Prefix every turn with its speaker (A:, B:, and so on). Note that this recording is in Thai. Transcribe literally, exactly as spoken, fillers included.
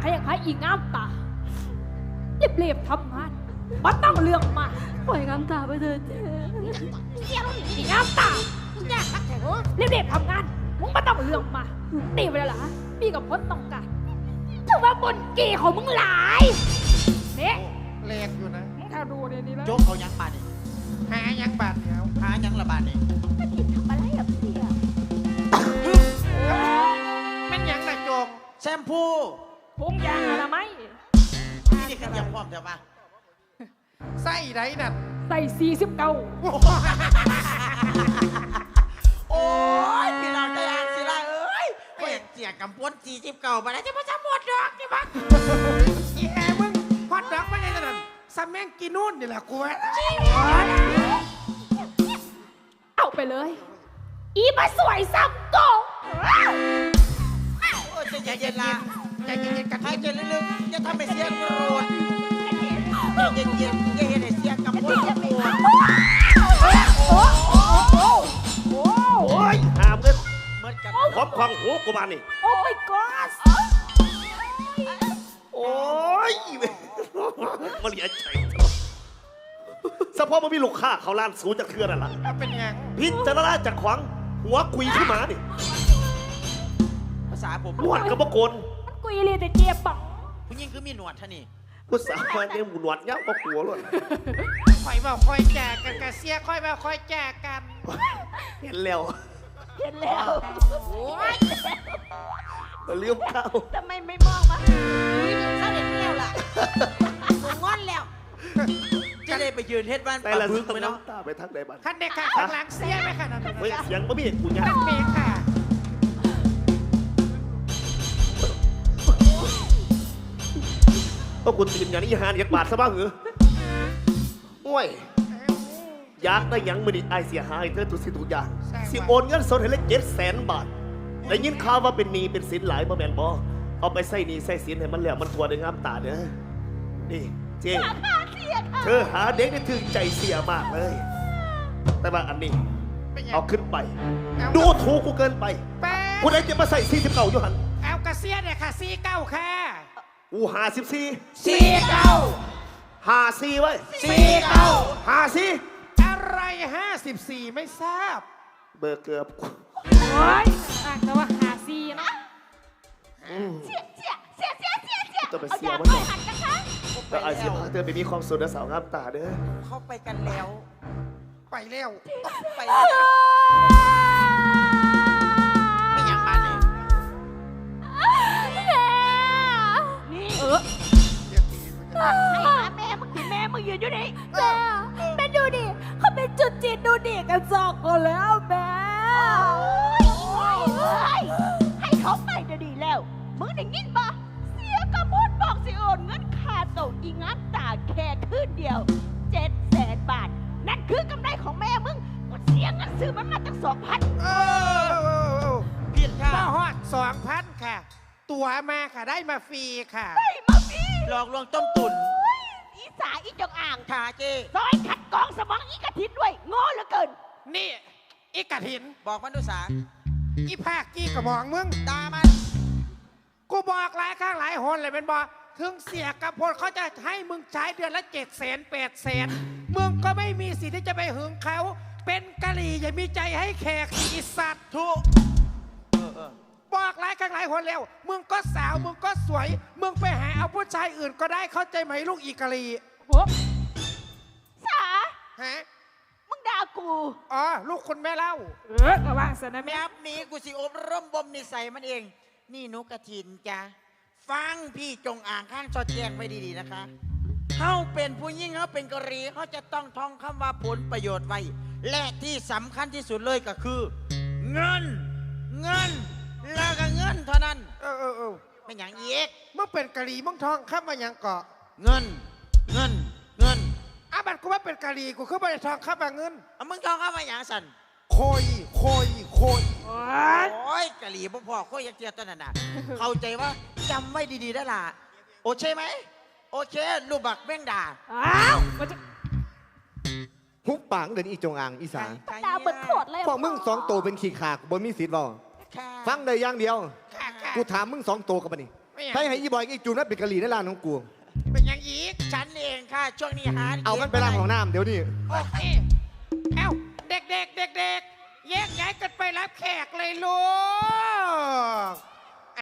A: ใครอยากให้อีงามตาเรียบๆทำงานมันต้องเรื่องมาปล่อยงามตาไปเถอะเจ๊เสียแล้วอีงามตาเนี่ยเรียบๆทำงานมึงไม่ต้องเรื่องมาตีไปแล้วล่ะพี่กับพจน์ต้องการถือว่าบนเกี่ของมึงหลายเนี่ย
B: แรงอยู่นะ
A: มึงถ้าดูในนี้แล้ว
C: โจ๊กเอายังบาดนี่
B: หายังบาดเดียว
C: หายังละบาดนี่
A: ทำอะไรกับเสีย
B: มันยังน่ะโจง
C: แชมพู
A: พุงยางอะไรไหม
C: นี่ขยับพร้อมเถอะมา
B: ไส้ไหนนั่น
A: ใส่สี่สิบเก้า
C: โอ้ยพี่น้องใจอ่านสิละเอ้ยก็อยากเจียกำปวนจีจิบเก่ามาแล้วจะมาจะหมดดอกใช่ปะ
B: อีแอมึงฮอตดอกไม่ใช่นั่นซัมแมงกินนู่นนี่แหละกูว่า
A: เอาไปเลย อีมาสวยซ้ำโต
C: โอ้ยใจเย็นๆละ
B: ใจเย็นๆกัน
C: หายใจลึกๆอย่าทำให้เสียงโกรธใจเย็นๆอย่าเห็นให้เสียงกำปวนกำปวน
D: โอ้ยหามเลย
C: เหมือนกัน
D: ครอบครองหูกูมานี่
A: โอ้ my god
D: โอ้ยมาเหลียใจสะพอมันมีลูกค้าเขาล้านสูงจากเทือนั่นล่ะ
B: เป็นยัง
D: พิจารณาจากขวางหัวกุยขึ้นมานี่
C: ภาษาผม
D: หนวดกับปะโกน
A: มันกุยเลยแต่เจี๊ยบปัง
C: ผู้หญิงคือมีหนวดท่านี่
D: ภาษาวันนี้หนวดเงี้ยก็กลัวเลย
B: คอยบอกคอยแจกกันกะเสียคอยบอกคอยแจกกัน
D: เห็นแล้ว
A: เห็นแล้ว
D: มาเลี้ยวเข้า
A: ทำไมไม่มองมาหาเขาเห็นแล้วล่ะมึงงอนแล้ว
C: จะได้ไปยืนเฮ็ดบ้าน
D: แต่
C: ปลา
D: ละ
C: บึ
D: สึ
C: ก
D: ก
C: ไหมเนาะ
D: น้ำตาไปทักใดบ้าน
B: ขั้นเด็กค่ะข้างหลังเสียไหมค่ะนั่น
D: เฮ้ยเสียงบ่มีกูยัง
B: นั่นเมย์ค่ะ
D: ก็กูตื่นอย่างนี้หานอยากบาดซะบ้างเหรอโอ้ยอยากได้หยังมือนี่ไอเสียหายเธอทุกสิ่งทุกอย่างสิโอนเงินสดให้เลยเจ็ดแสนบาทได้ยินข่าวว่าเป็นหนี้เป็นสินหลายบ่แม่นบ่เอาไปใส่หนี้ใส่สินให้มันแล้วมันทัวได้งามตาเด้อนี่เจ๊เธอหาเด็กได้ถึงใจเสียมากเลย แต่ว่าอันนี้
B: เป็นยัง
D: เอาขึ้นไป ดูถูกกูเกินไป
B: แป๊บ
D: กูได้จะมาใส่สี่สิบเก้าอยู่หัน
B: เอากระเสียเนี่ยค่ะซีเก้าค่ะ
D: กูหาสิบสี่
B: ซีเก้า
D: หาสี่ไว้
B: ซีเก้า
D: หาสี่
B: อะไรห้าสิบสี่ไม่ทราบ
D: เบอร์เกือบกู
A: โอ้ยอ่ะแต่ว่าหาซีนะ
D: อืม
A: เสียเสียเสียเสียเสียเสีย
D: ต้องไป
A: เอา
D: เสีย
A: ยา
D: มัน
A: ไปหันนะคะ
D: แล้วไอเสียพาเธอไปมีความสุขนะสาวงามตาเด้อ
C: เข้าไปกันแล้ว
B: ไปเร็ว
C: ไปแล้วไม่ยังบาดนี่
A: นี่เออให้หาแม่มึงดิแม่มึงยืนอยู่นี่แม่แม่ดูดิเขาเป็นจุดจีนดูดิกันสองคนแล้วแม่ให้เขาไปจะดีแล้วมึงได้ยินปะเสียกระมุดบอกสิโอนเงินค่าโตอีงับตาแค่คืนเดียวเจ็ดแสนบาทนั่นคือกำไรของแม่มึงกูเสียเงินซื้อมันมาตั้งสองพัน
B: เออ
C: ผิดค่ะ
B: มาฮอดสองพันค่ะ ตัวมาค่ะได้มาฟรีค่ะ
A: ไอ้มาพี่
C: หลอกลวงต้มตุ๋น
A: อีสาอีจงอ่าง
C: ขาเจ
A: ซอยขัดกองสมองอีกระทินด้วยโง่เหลือเกิน
B: นี่อีกระถิน
C: บอกมันดูสา
B: อีภาคกี้กระบอกมึง
C: ตามัน
B: กูบอกหลายข้างหลายหนเลยเป็นบอกถึงเสียกับพลเขาจะให้มึงใช้เดือนละเจ็ดแสนแปดแสนมึงก็ไม่มีสิทธิ์ที่จะไปหึงเขา เป็นกะหรี่อย่ามีใจให้แขกอีสัตว์
C: ทุเออเออ
B: บอกหลายครั้งหลายหนแล้ว มึงก็สาวมึงก็สวย มึงไปหาเอาผู้ชายอื่นก็ได้เข้าใจไหมลูกอีกะหรี่
A: โอ้สา
B: ฮะ
A: มึงด่ากู
B: อ๋อลูกคุณแม่เล่า
A: เออกระว่างสนะ
C: แบ
A: แม่
C: บนี้กูสิอบรมบ่มนิสัยมันเอง นี่นุกกระถินจ้ะฟังพี่จงอ่างข้างสอดแจงไว้ดีๆนะคะเขาเป็นผู้ยิ่งเขาเป็นกะหรีเขาจะต้องท่องคำว่าผลประโยชน์ไว้ และที่สำคัญที่สุดเลยก็คือ เงิน เงิน แล้วก็เงินเท่านั้น
B: เออเออเออ
C: ไม่อย่างอีก
B: มึงเป็นกะหรี่มึงทองข้ามมายังเกาะ
C: เงิน เงิน เงิน
B: อ่ะบัดกูว่าเป็นกะหรี่กูคือไม่ได้ทองข้ามมาเงิน
C: เอามึงท่องเข้ามาอย่างสัน
B: โคยโคยโคย
A: โอ้ย
C: โอ้ยกะหรี่พ่อพ่อค่อยยักเทียตัวนั้นน่ะ เข้าใจว่าจำไว้ดีๆได้ล่ะ โอเคไหม โอเค ลูกบักแม่งด่า
A: อ้าวมันจะ
E: หุบปากเดินอีจงอางอีสาน
A: ด่าเบิดโคตรเลย
E: พวกมึงสองตัวเป็นขี้ขากบนมีสิทธิ์บ่
C: ค่ะ
E: ฟังได้อย่างเดียว
B: ค่ะค่ะ
E: กูถามมึงสองตัวกับมันนี่
B: ไม่ไม่อย่าง
E: ใครให้อีบอยกับอีจูนนั่นเป็นกะหรี่ในร้านของกู
B: เป็นอย่างอีก
C: ฉันเองค่ะ ช่วงนี้หา
E: เอามันไปล้างของน้ำเดี๋ยวนี้
B: โอเคเอ้าเด็กๆเด็กๆแยกย้ายกันไปรับแขกเลยลูก